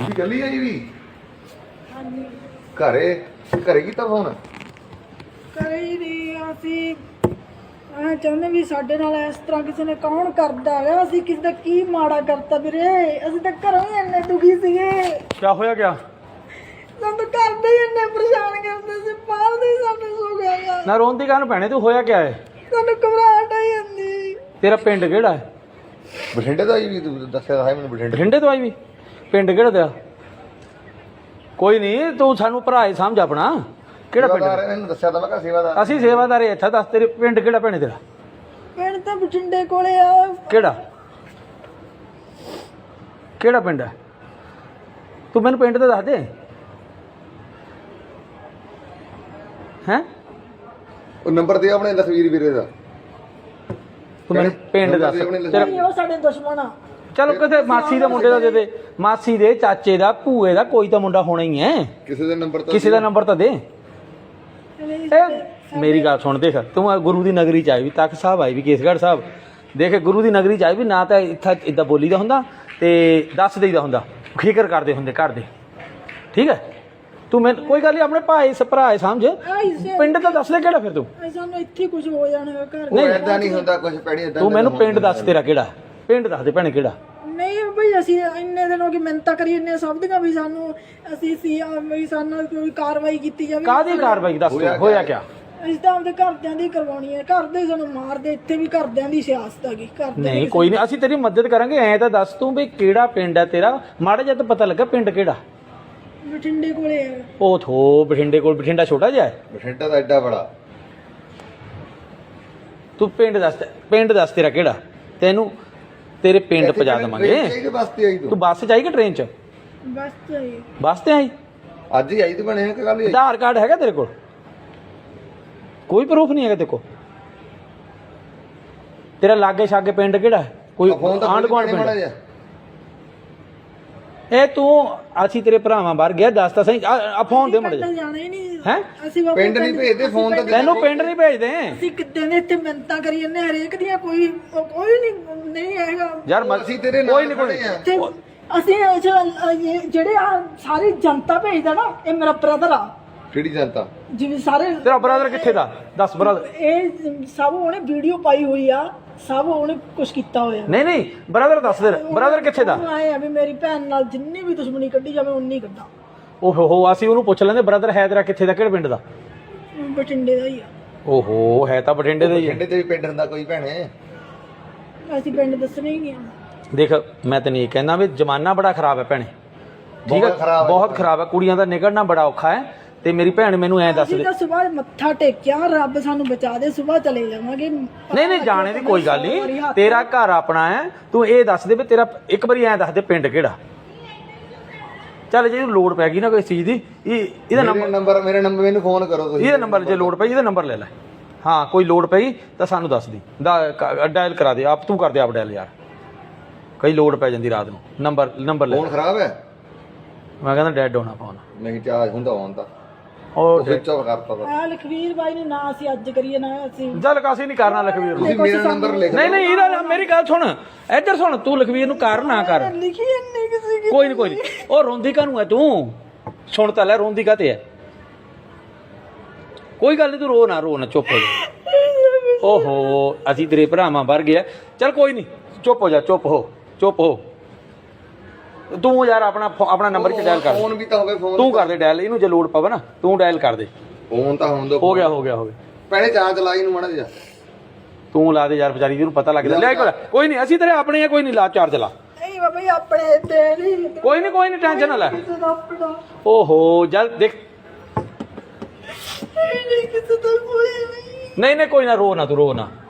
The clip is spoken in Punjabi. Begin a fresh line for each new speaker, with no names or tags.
ਚੱਲੀ ਆਈ ਵੀ
ਹਾਂਜੀ
ਘਰੇ ਘਰੇ ਕੀਤਾ ਫੋਨ
ਕਰੇ ਹੀ ਨਹੀਂ ਅਸੀਂ ਚਾਹੁੰਦੇ ਵੀ ਸਾਡੇ ਨਾਲ ਇਸ ਤਰ੍ਹਾਂ ਕਿਸੇ ਨੇ ਕੌਣ ਕਰਦਾ ਹੈ ਅਸੀਂ ਕਿਸੇ ਦਾ ਕੀ ਮਾੜਾ ਕਰਤਾ ਵੀਰੇ ਅਸੀਂ ਤਾਂ ਘਰੋਂ ਹੀ ਇੰਨੇ ਦੁਖੀ ਸੀਗੇ
ਕੀ ਹੋਇਆ ਕਿਆ
ਸਾਨੂੰ ਤਾਂ ਘਰ ਦੇ ਹੀ ਇੰਨੇ ਪਰੇਸ਼ਾਨ ਕਰਦੇ ਸੀ ਬਾਹਰ ਦੇ ਹੀ ਸਾਨੂੰ ਸੋ ਗਿਆ
ਨਾ ਰੋਣ ਦੀ ਗੱਲ ਭੈਣੇ ਤੂੰ ਹੋਇਆ ਕਿਆ ਹੈ
ਸਾਨੂੰ ਘਬਰਾਹਟ ਆਈ ਜਾਂਦੀ
ਤੇਰਾ ਪਿੰਡ ਕਿਹੜਾ ਹੈ
ਬਠਿੰਡੇ ਦਾ ਆਈ ਵੀ ਤੂੰ ਦੱਸਿਆ ਤਾਂ ਹੈ ਮੈਨੂੰ ਬਠਿੰਡੇ
ਬਠਿੰਡੇ ਤੋਂ ਆਈ ਵੀ ਪਿੰਡ ਕਿਹੜਾ ਤੇਰਾ ਕੋਈ ਨਹੀਂ ਤੂੰ ਸਾਨੂੰ ਭਰਾ ਹੀ ਸਮਝ ਆਪਣਾ ਕਿਹੜਾ ਪਿੰਡ
ਸੇਵਾਦਾਰ ਇਹਨੂੰ ਦੱਸਿਆ ਤਾਂ ਮੈਂ ਕਿਹਾ ਸੇਵਾਦਾਰ
ਅਸੀਂ ਸੇਵਾਦਾਰ ਇੱਥੇ ਦੱਸ ਤੇਰੇ ਪਿੰਡ ਕਿਹੜਾ ਭੈਣੇ ਤੇਰਾ
ਪਿੰਡ ਤਾਂ ਬਠਿੰਡੇ ਕੋਲੇ ਆ
ਕਿਹੜਾ ਪਿੰਡ ਹੈ ਤੂੰ ਮੈਨੂੰ ਪਿੰਡ ਤੇ ਦੱਸ ਦੇ ਹੈਂ
ਉਹ ਨੰਬਰ ਦੇ ਆਪਣੇ ਲਖਵੀਰ ਵੀਰੇ ਦਾ
ਤੂੰ ਮੈਨੂੰ ਪਿੰਡ ਦੱਸ ਤੇਰਾ
ਨਹੀਂ ਉਹ ਸਾਡੇ ਦੁਸ਼ਮਣ ਆ
ਚਲੋ ਕਿਤੇ ਮਾਸੀ ਦੇ ਮੁੰਡੇ ਦਾ ਦੇ ਦੇ ਮਾਸੀ ਦੇ ਚਾਚੇ ਦਾ ਭੂਏ ਦਾ ਕੋਈ ਤਾਂ ਮੁੰਡਾ ਹੋਣਾ ਹੀ ਹੈ
ਕਿਸੇ ਦਾ ਨੰਬਰ ਤਾਂ
ਕਿਸੇ ਦਾ ਨੰਬਰ ਤਾਂ ਦੇ ਇਹ ਮੇਰੀ ਗੱਲ ਸੁਣ ਦੇਖ ਤੂੰ ਆ ਗੁਰੂ ਦੀ ਨਗਰੀ ਚ ਆਈ ਵੀ ਤਖਤ ਸਾਹਿਬ ਆਈ ਵੀ ਕੇਸਗੜ੍ਹ ਸਾਹਿਬ ਦੇਖ ਗੁਰੂ ਦੀ ਨਗਰੀ ਚ ਆਈ ਵੀ ਨਾ ਤਾਂ ਇੱਥੇ ਇਦਾਂ ਬੋਲੀ ਦਾ ਹੁੰਦਾ ਤੇ ਦੱਸ ਦੇਈਦਾ ਹੁੰਦਾ ਫਿਕਰ ਕਰਦੇ ਹੁੰਦੇ ਘਰ ਦੇ ਠੀਕ ਹੈ ਤੂੰ ਮੈਨੂੰ ਕੋਈ ਗੱਲ ਨਹੀਂ ਆਪਣੇ ਭਾਈ ਭਰਾ ਸਮਝ ਪਿੰਡ ਤਾਂ ਦੱਸ ਦੇ ਕਿਹੜਾ ਫਿਰ ਤੂੰ
ਸਾਨੂੰ ਇੱਥੇ ਕੁਝ ਹੋ ਜਾਣਾ ਘਰ
ਨਹੀਂ ਏਦਾਂ ਨਹੀਂ ਹੁੰਦਾ ਕੁਝ ਪੈਣੀ ਏਦਾਂ
ਤੂੰ ਮੈਨੂੰ ਪਿੰਡ ਦੱਸ ਤੇਰਾ ਕਿਹੜਾ ਪਿੰਡ ਦੱਸ ਦੇ ਭੈਣੇ ਕਿਹੜਾ
ਨਹੀਂ ਬਈ ਅਸੀਂ ਇੰਨੇ ਦਿਨ ਹੋ ਗਏ ਮਿਹਨਤਾਂ ਕਰੀ ਇੰਨੇ ਸਭ ਦੀਆਂ ਵੀ ਸਾਨੂੰ ਅਸੀਂ ਸੀ ਵੀ ਸਾਨੂੰ ਕੋਈ ਕਾਰਵਾਈ ਕੀਤੀ ਜਾਵੇ
ਕਾਹਦੀ ਕਾਰਵਾਈ ਦੱਸ ਤੂੰ ਹੋਇਆ ਕਿਆ
ਅਸੀਂ ਤਾਂ ਆਪਦੇ ਘਰਦਿਆਂ ਦੀ ਕਰਵਾਉਣੀ ਹੈ ਘਰ ਦੇ ਸਾਨੂੰ ਮਾਰਦੇ ਇੱਥੇ ਵੀ ਘਰਦਿਆਂ ਦੀ ਸਿਆਸਤ ਹੈਗੀ ਕਰਦੇ
ਨਹੀਂ ਕੋਈ ਨਹੀਂ ਅਸੀਂ ਤੇਰੀ ਮਦਦ ਕਰਾਂਗੇ ਐਂ ਤਾਂ ਦੱਸ ਤੂੰ ਵੀ ਕਿਹੜਾ ਪਿੰਡ ਹੈ ਤੇਰਾ ਮਾੜਾ ਜਿਹਾ ਤਾਂ ਪਤਾ ਲੱਗਾ ਪਿੰਡ ਕਿਹੜਾ
ਬਠਿੰਡੇ ਕੋਲੇ ਹੈ
ਉਹ ਥੋ ਬਠਿੰਡੇ ਕੋਲ ਬਠਿੰਡਾ ਛੋਟਾ ਜਿਹਾ ਹੈ
ਬਠਿੰਡਾ ਦਾ ਐਡਾ ਬੜਾ
ਤੂੰ ਪਿੰਡ ਦੱਸ ਤੇਰਾ ਕਿਹੜਾ ਤੈਨੂੰ ਤੇਰੇ ਪਿੰਡ ਪਹੁੰਚਾ ਦੇਵਾਂਗੇ
ਕਿਹੜੇ ਵਾਸਤੇ ਆਈ
ਤੂੰ
ਤੂੰ
ਬੱਸ 'ਚ ਆਈ ਕਿ ਟ੍ਰੇਨ 'ਚ
ਬਸ ਚਾਹੀਏ
ਬੱਸ ਤੇ ਆਈ
ਅੱਜ ਹੀ ਆਈ ਤੇ ਬਣੇ ਕਿ ਕੱਲ ਹੀ ਆਈ
ਆਧਾਰ ਕਾਰਡ ਹੈਗਾ ਤੇਰੇ ਕੋਲ ਕੋਈ ਪ੍ਰੂਫ ਨਹੀਂ ਹੈਗਾ ਤੇਰੇ ਕੋਲ ਤੇਰਾ ਲਾਗੇ ਛਾਗੇ ਪਿੰਡ ਕਿਹੜਾ ਹੈ ਕੋਈ
ਫੋਨ ਤਾਂ
ਆਂਢ ਗੁਆਂਢ
ਮਾੜਾ
ਪਿੰਡ
ਜਿਹਾ
ਇਹ ਤੂੰ ਅਸੀਂ ਤੇਰੇ ਭਰਾਵਾਂ ਬਾਹਰ ਗਿਆ ਦੱਸ ਤਾਂ ਸਹੀ ਆ ਫੋਨ ਦੇ ਮੁੰਡੇ
ਜਾਣਾ ਹੀ ਨਹੀਂ
ਹੈ
ਅਸੀਂ ਬਾਬਾ
ਪਿੰਡ ਨਹੀਂ ਭੇਜਦੇ ਫੋਨ ਤਾਂ
ਤੈਨੂੰ ਪਿੰਡ ਨਹੀਂ ਭੇਜਦੇ
ਅਸੀਂ ਕਿੱਦਾਂ ਦੇ ਇੱਥੇ ਮਿਹਨਤਾਂ ਕਰੀ ਜਾਂਦੇ ਹਰੇਕ ਦੀਆਂ ਕੋਈ ਨਹੀਂ ਹੈਗਾ
ਯਾਰ
ਅਸੀਂ ਤੇਰੇ
ਕੋਈ
ਨਾਲ
ਨਹੀਂ
ਖੜੇ ਆ
ਤੇ ਅਸੀਂ ਜਿਹੜੇ ਆ ਸਾਰੀ ਜਨਤਾ ਭੇਜਦਾ ਨਾ ਇਹ ਮੇਰਾ ਬ੍ਰਦਰ ਆ
ਕਿਹੜੀ ਜਨਤਾ
ਜਿਵੇਂ ਸਾਰੇ
ਤੇਰਾ ਬ੍ਰਦਰ ਕਿੱਥੇ ਦਾ ਦੱਸ ਬ੍ਰਦਰ
ਇਹ ਸਭ ਉਹਨੇ ਵੀਡੀਓ ਪਾਈ ਹੋਈ ਆ ਸਭ ਉਹਨੇ ਕੁਝ ਕੀਤਾ ਹੋਇਆ
ਨਹੀਂ ਬ੍ਰਦਰ ਦੱਸ ਦੇ ਬ੍ਰਦਰ ਕਿੱਥੇ ਦਾ
ਉਹਨੂੰ ਆਏ ਆ ਵੀ ਮੇਰੀ ਭੈਣ ਨਾਲ ਜਿੰਨੀ ਵੀ ਦੁਸ਼ਮਣੀ ਕੱਢੀ ਜਾਵੇ ਉਨੀ ਕੱਢਾਂ
ਓਹੋ ਅਸੀਂ ਉਹਨੂੰ ਪੁੱਛ ਲੈਂਦੇ ਬ੍ਰਦਰ ਹੈ ਤੇਰਾ ਕਿੱਥੇ ਦਾ ਕਿਹੜੇ ਪਿੰਡ ਦਾ
ਬਠਿੰਡੇ ਦਾ ਹੀ ਆ
ਓਹੋ ਹੈ ਤਾਂ ਬਠਿੰਡੇ ਦਾ ਹੀ ਹੈ
ਬਠਿੰਡੇ ਤੇ ਵੀ ਪਿੰਡ ਹੁੰਦਾ ਕੋਈ ਭੈਣੇ
ਅਸੀਂ ਪਿੰਡ ਦੱਸਣੇ ਹੀ ਗਿਆ
ਦੇਖ ਮੈਂ ਤੈਨੂੰ ਇਹ ਕਹਿੰਦਾ ਵੀ ਜ਼ਮਾਨਾ ਬੜਾ ਖਰਾਬ ਹੈ ਭੈਣੇ ਠੀਕ
ਬਹੁਤ ਖਰਾਬ
ਹੈ
ਹੈ
ਬਹੁਤ ਖਰਾਬ ਹੈ ਕੁੜੀਆਂ ਦਾ ਨਿਕਲਣਾ ਬੜਾ ਔਖਾ ਹੈ ਤੇ ਮੇਰੀ ਭੈਣ ਮੈਨੂੰ ਐਂ ਦੱਸ
ਅਸੀਂ
ਦੇ
ਤਾਂ ਸਵੇਰ ਮੱਥਾ ਟੇਕਿਆ ਰੱਬ ਸਾਨੂੰ ਬਚਾ ਦੇ ਸਵੇਰ ਚਲੇ ਜਾਵਾਂਗੇ
ਨਹੀਂ ਜਾਣੇ ਦੀ ਕੋਈ ਗੱਲ ਨਹੀਂ ਤੇਰਾ ਘਰ ਆਪਣਾ ਹੈ ਤੂੰ ਇਹ ਦੱਸ ਦੇ ਵੀ ਤੇਰਾ ਇੱਕ ਵਾਰੀ ਐਂ ਦੱਸ ਦੇ ਪਿੰਡ ਕਿਹੜਾ ਚੱਲ ਜੇ ਲੋੜ ਪੈ ਗਈ ਨਾ ਕੋਈ ਚੀਜ਼ ਦੀ ਇਹਦਾ ਨੰਬਰ
ਮੇਰੇ ਨੰਬਰ ਮੈਨੂੰ ਫੋਨ ਕਰੋ ਤੁਸੀਂ
ਇਹਦਾ ਨੰਬਰ ਜੇ ਲੋੜ ਪਈ ਇਹਦਾ ਨੰਬਰ ਲੈ ਲੈ ਹਾਂ ਕੋਈ ਲੋੜ ਪਈ ਤਾਂ ਸਾਨੂੰ ਦੱਸ ਦੀ ਡਾਇਲ ਕਰਾ ਦੇ ਆਪ ਤੂੰ ਕਰ ਦੇ ਆਪ ਡਾਇਲ ਯਾਰ ਕਈ ਲੋੜ ਪੈ ਜਾਂਦੀ ਰਾਤ ਨੂੰ ਨੰਬਰ ਲੈ
ਫੋਨ ਖਰਾਬ ਹੈ
ਮੈਂ ਕਹਿੰਦਾ ਡੈਡ ਹੋਣਾ ਫੋਨ
ਨਹੀਂ ਚਾਰਜ ਹੁੰਦਾ ਹੋਣ ਤਾਂ
ਉਹ
ਸਵਿਚ ਆਫ ਕਰਤਾ ਤਾ
ਆ ਲਖਵੀਰ ਬਾਈ ਨੇ ਨਾ ਅਸੀਂ ਅੱਜ ਕਰੀਏ ਨਾ ਅਸੀਂ
ਚੱਲ ਕਾਸੀ ਨਹੀਂ ਕਰਨਾ ਲਖਵੀਰ ਨੂੰ
ਤੁਸੀਂ ਮੇਰਾ ਨੰਬਰ ਲਿਖ
ਨਹੀਂ ਇਹਦਾ ਮੇਰੀ ਗੱਲ ਸੁਣ ਇੱਧਰ ਸੁਣ ਤੂੰ ਲਖਵੀਰ ਨੂੰ ਕਰ ਨਾ ਕਰ
ਲਿਖੀ ਨਹੀਂ ਕਿਸੇ ਕੀ
ਕੋਈ ਨਹੀਂ ਉਹ ਰੋਂਦੀ ਕਾਹਨੂੰ ਹੈ ਤੂੰ ਸੁਣ ਤਾਂ ਲੈ ਰੋਂਦੀ ਕਾਤੇ ਹੈ ਕੋਈ ਗੱਲ ਨਹੀਂ ਤੂੰ ਰੋ ਨਾ ਚੁੱਪ ਹੋ ਜਾ ਓਹੋ ਅਸੀਂ ਤੇਰੇ ਭਰਾਵਾਂ ਵਰ ਗਿਆ ਚੱਲ ਕੋਈ ਨਹੀਂ ਚੁੱਪ ਹੋ ਜਾ ਚੁੱਪ ਹੋ ਤੂੰ ਯਾਰ ਆਪਣਾ ਨੰਬਰ ਚ ਡਾਇਲ ਕਰ
ਫੋਨ ਵੀ ਤਾਂ ਹੋਵੇ ਫੋਨ
ਤੂੰ ਕਰ ਦੇ ਡਾਇਲ ਇਹਨੂੰ ਜੇ ਲੋੜ ਪਵੇ ਨਾ ਤੂੰ ਡਾਇਲ ਕਰ ਦੇ
ਫੋਨ ਤਾਂ ਹੋਣ ਦੋ
ਹੋ ਗਿਆ
ਪਹਿਲੇ ਚਾਰਜ ਲਾਈ ਨੂੰ ਮਾੜਾ ਜਿਹਾ
ਤੂੰ ਲਾ ਦੇ ਯਾਰ ਵਿਚਾਰੀ ਜਿਹਨੂੰ ਪਤਾ ਲੱਗਦਾ ਲੈ ਕੋਈ ਨਹੀਂ ਅਸੀਂ ਤੇਰੇ ਆਪਣੇ ਆ ਕੋਈ ਨਹੀਂ ਲਾ ਚਾਰਜ ਲਾ
ਨਹੀਂ ਬਾਬਾ ਜੀ ਆਪਣੇ ਤੇ ਨਹੀਂ
ਕੋਈ ਨਹੀਂ ਟੈਨਸ਼ਨ ਨਾ ਲੈ
ਕਿਸੇ ਦਾ ਆਪਣਾ
ਓਹੋ ਜਲ ਦੇਖ
ਨਹੀਂ ਕਿਸੇ ਦਾ ਕੋਈ ਨਹੀਂ
ਨਹੀਂ ਕੋਈ ਨਾ ਰੋ ਨਾ ਤੂੰ ਰੋ ਨਾ